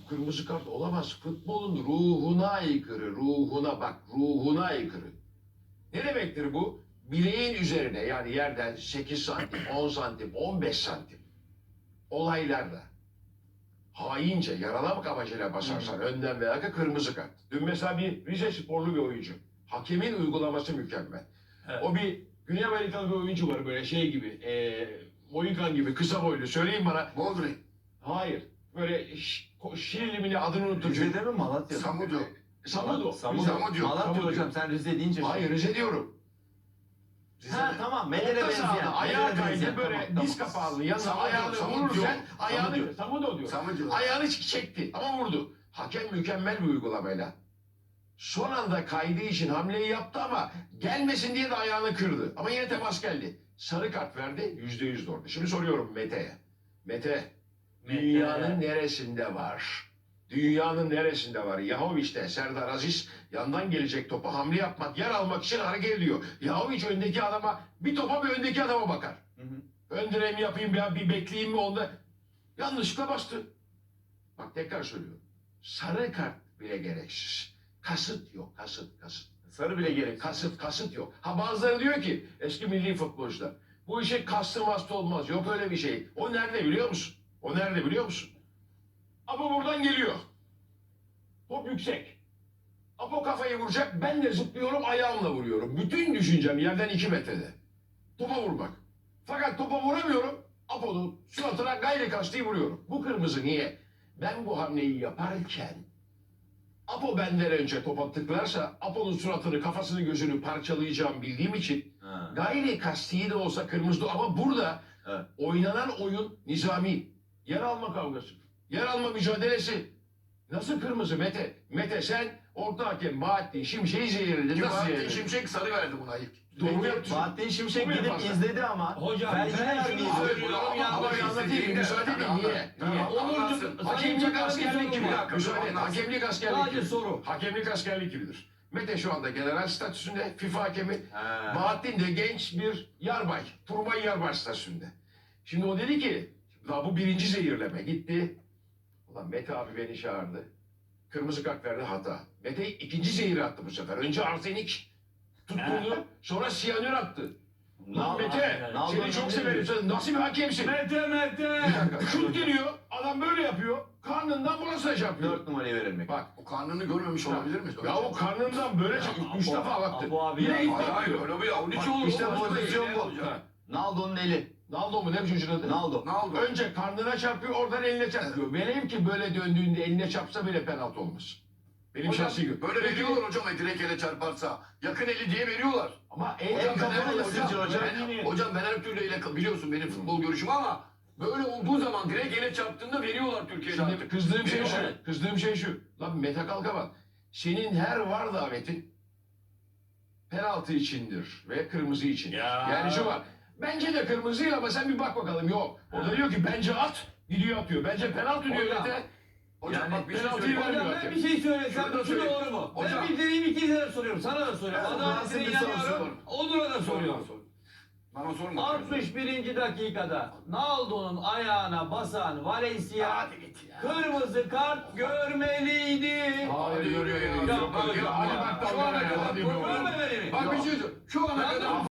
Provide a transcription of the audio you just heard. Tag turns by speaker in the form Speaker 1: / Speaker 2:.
Speaker 1: kırmızı kart olamaz. Futbolun ruhuna aykırı, ruhuna bak, ruhuna aykırı. Ne demektir bu? Bileğin üzerine yani yerden 8 santim, 10 santim, 15 santim olaylarda haince yaralamak amacıyla basarsan önden veya arka kırmızı kart. Dün mesela bir Rize sporlu bir oyuncu. Hakemin uygulaması mükemmel.
Speaker 2: Evet.
Speaker 1: O bir Güney Amerikalı bir oyuncu var böyle şey gibi, Moikan gibi kısa boylu. Söyleyin bana.
Speaker 3: Boldrin.
Speaker 1: Hayır. Böyle Şirinli mi ne adını unuttum.
Speaker 2: Rize'de mi Malatya'da?
Speaker 3: Samudio.
Speaker 1: Samudo.
Speaker 3: Samudio.
Speaker 2: Malatya
Speaker 1: Samudio.
Speaker 2: hocam sen Rize deyince.
Speaker 1: Hayır Rize diyorum.
Speaker 2: Ha tamam. Medel'e
Speaker 1: Orta sahada
Speaker 2: benzeyen.
Speaker 1: ayağa
Speaker 2: Medel'e benzeyen.
Speaker 1: kaydı böyle
Speaker 2: Tamam,
Speaker 1: diz
Speaker 2: tamam.
Speaker 1: kapağını yanına
Speaker 3: Samudio,
Speaker 1: ayağını
Speaker 3: Samudio.
Speaker 1: vururken ayağını
Speaker 2: Samudio.
Speaker 1: Samudo diyor.
Speaker 3: Samudio.
Speaker 1: Ayağını çekti ama vurdu. Hakem mükemmel bir uygulamayla. Son anda kaydığı için hamleyi yaptı ama gelmesin diye de ayağını kırdı. Ama yine temas geldi. Sarı kart verdi, %100 doğru. Şimdi soruyorum Mete'ye. Mete, dünyanın neresinde var? Dünyanın neresinde var? Yahovic'te Serdar Aziz yandan gelecek topa hamle yapmak, yer almak için hareket ediyor. Yahovic öndeki adama, bir topa bir öndeki adama bakar.
Speaker 2: Hı hı.
Speaker 1: Ön direğimi yapayım bir bekleyeyim mi onda? Yanlışlıkla bastı. Bak tekrar söylüyorum. Sarı kart bile gereksiz. Kasıt yok, kasıt.
Speaker 2: Sarı bile gerek.
Speaker 1: Kasıt yok. Ha bazıları diyor ki eski milli futbolcular bu işe kastı mastı olmaz. Yok öyle bir şey. O nerede biliyor musun? O nerede biliyor musun? Apo buradan geliyor. Top yüksek. Apo kafayı vuracak. Ben de zıplıyorum ayağımla vuruyorum. Bütün düşüncem yerden 2 metrede. Topa vurmak. Fakat topa vuramıyorum. Apo'nun suratına gayri kasti vuruyorum. Bu kırmızı niye? Ben bu hamleyi yaparken Apo benden önce topa tıklarsa Apo'nun suratını, kafasını, gözünü parçalayacağım bildiğim için
Speaker 2: Ha.
Speaker 1: gayri kasti de olsa kırmızı ama burada
Speaker 2: Evet.
Speaker 1: oynanan oyun nizami. Yer alma kavgası. Yer alma mücadelesi. Nasıl kırmızı Mete? Mete sen orta hakem Bahattin Şimşek'i zehirledin. Nasıl
Speaker 3: Bahattin
Speaker 1: zehirledin?
Speaker 3: Şimşek sarı verdi buna ilk.
Speaker 1: Doğru yaptın.
Speaker 2: Bahattin Şimşek
Speaker 1: Bu mu
Speaker 2: gidip
Speaker 1: yaparsan?
Speaker 2: izledi ama.
Speaker 4: Hocam,
Speaker 2: belge
Speaker 4: ben
Speaker 2: vermedi.
Speaker 4: şunu söylüyorum,
Speaker 1: Ama
Speaker 4: yanlış
Speaker 1: bir anlatayım.
Speaker 3: istediğinde-
Speaker 1: Müsaade edin. Niye? Niye?
Speaker 3: Anlatsın.
Speaker 1: Hakemlik askerlik gibi.
Speaker 3: Bir dakika,
Speaker 1: Müsaade edin.
Speaker 3: anlatsın.
Speaker 1: Hakemlik askerlik
Speaker 4: Sadece
Speaker 1: gibi.
Speaker 4: soru.
Speaker 1: Hakemlik askerlik gibidir. Mete şu anda general statüsünde FIFA hakemi.
Speaker 2: Ha.
Speaker 1: Bahattin de genç bir yarbay. Turbay yarbay statüsünde. Şimdi o dedi ki "La bu birinci zehirleme gitti. Ulan Mete abi beni çağırdı. Kırmızı kart verdi hata. Mete ikinci zehiri attı bu sefer. Önce arsenik tutturdu. Sonra siyanür attı. Lan Mete seni çok severim. Sen nasıl bir hakemsin?
Speaker 4: Mete.
Speaker 1: Bir dakika. Şut geliyor. Adam böyle yapıyor. Karnından burasına çarpıyor.
Speaker 2: 4 numarayı verilmek.
Speaker 1: Bak.
Speaker 3: O karnını görmemiş olabilir mi?
Speaker 1: Ya o karnından böyle çarpıyor. 3 defa baktı.
Speaker 4: Apo abi
Speaker 1: Yine
Speaker 4: ya.
Speaker 1: ilk
Speaker 3: Hayır hayır
Speaker 1: bakıyor.
Speaker 3: öyle bir avuç
Speaker 1: Bak,
Speaker 3: olur.
Speaker 1: işte
Speaker 3: O başka
Speaker 1: pozisyon
Speaker 3: bir
Speaker 1: bu.
Speaker 3: şey.
Speaker 1: Ha.
Speaker 2: Naldo'nun eli.
Speaker 1: Naldo mu ne bu çocuğun adı?
Speaker 2: Naldo.
Speaker 3: Ne oldu?
Speaker 1: Önce karnına çarpıyor oradan eline çarpıyor. Velev ki böyle döndüğünde eline çarpsa bile penaltı olmaz. Benim
Speaker 3: Hocam,
Speaker 1: şahsi görüşüm.
Speaker 3: böyle veriyorlar hocam direkt ele çarparsa. Yakın eli diye veriyorlar.
Speaker 1: Ama
Speaker 2: El
Speaker 1: en
Speaker 2: kapalı
Speaker 1: kapalı
Speaker 2: ısıcı hocam.
Speaker 3: Hocam ben her türlü ile biliyorsun benim futbol görüşüm ama böyle olduğu zaman direkt ele çarptığında veriyorlar Türkiye'de
Speaker 1: Şimdi
Speaker 3: artık.
Speaker 1: kızdığım şey şu.
Speaker 3: Veriyorlar.
Speaker 1: Kızdığım şey şu. Lan Mete Kalkavan. Senin her var davetin penaltı içindir ve kırmızı için.
Speaker 4: Ya.
Speaker 1: Yani şu var. Bence de kırmızı ama sen bir bak bakalım. Yok. O da diyor ki bence at. Gidiyor atıyor. Bence penaltı diyor
Speaker 4: Hocam.
Speaker 1: Mete.
Speaker 3: Hocam
Speaker 1: Yani
Speaker 3: bak bir şey
Speaker 1: penaltıyı
Speaker 3: söyleyeyim.
Speaker 1: vermiyor
Speaker 4: Hocam ben
Speaker 1: hakem.
Speaker 4: bir şey söylesem
Speaker 3: Şunu da
Speaker 4: şu
Speaker 3: söyleyeyim.
Speaker 4: doğru mu?
Speaker 3: Hocam.
Speaker 4: Ben bildiğim ikinize de soruyorum. Sana da soruyorum.
Speaker 3: Evet,
Speaker 4: Adaletine
Speaker 3: ben sana
Speaker 4: inanıyorum.
Speaker 3: soruyorum.
Speaker 4: Onur'a da soruyorum.
Speaker 3: Bana sorma.
Speaker 4: 61. dakikada Naldo'nun ayağına basan Valencia
Speaker 3: Hadi git ya.
Speaker 4: kırmızı kart görmeliydi.
Speaker 1: Hayır görüyor ya.
Speaker 4: Ya,
Speaker 1: Hadi bak
Speaker 4: ya,
Speaker 1: dalga
Speaker 3: şu ana
Speaker 1: ya.
Speaker 3: kadar
Speaker 1: Hadi be
Speaker 4: Görme
Speaker 1: oğlum.
Speaker 4: beni.
Speaker 3: Bak bir şey söyleyeyim. Şu ana kadar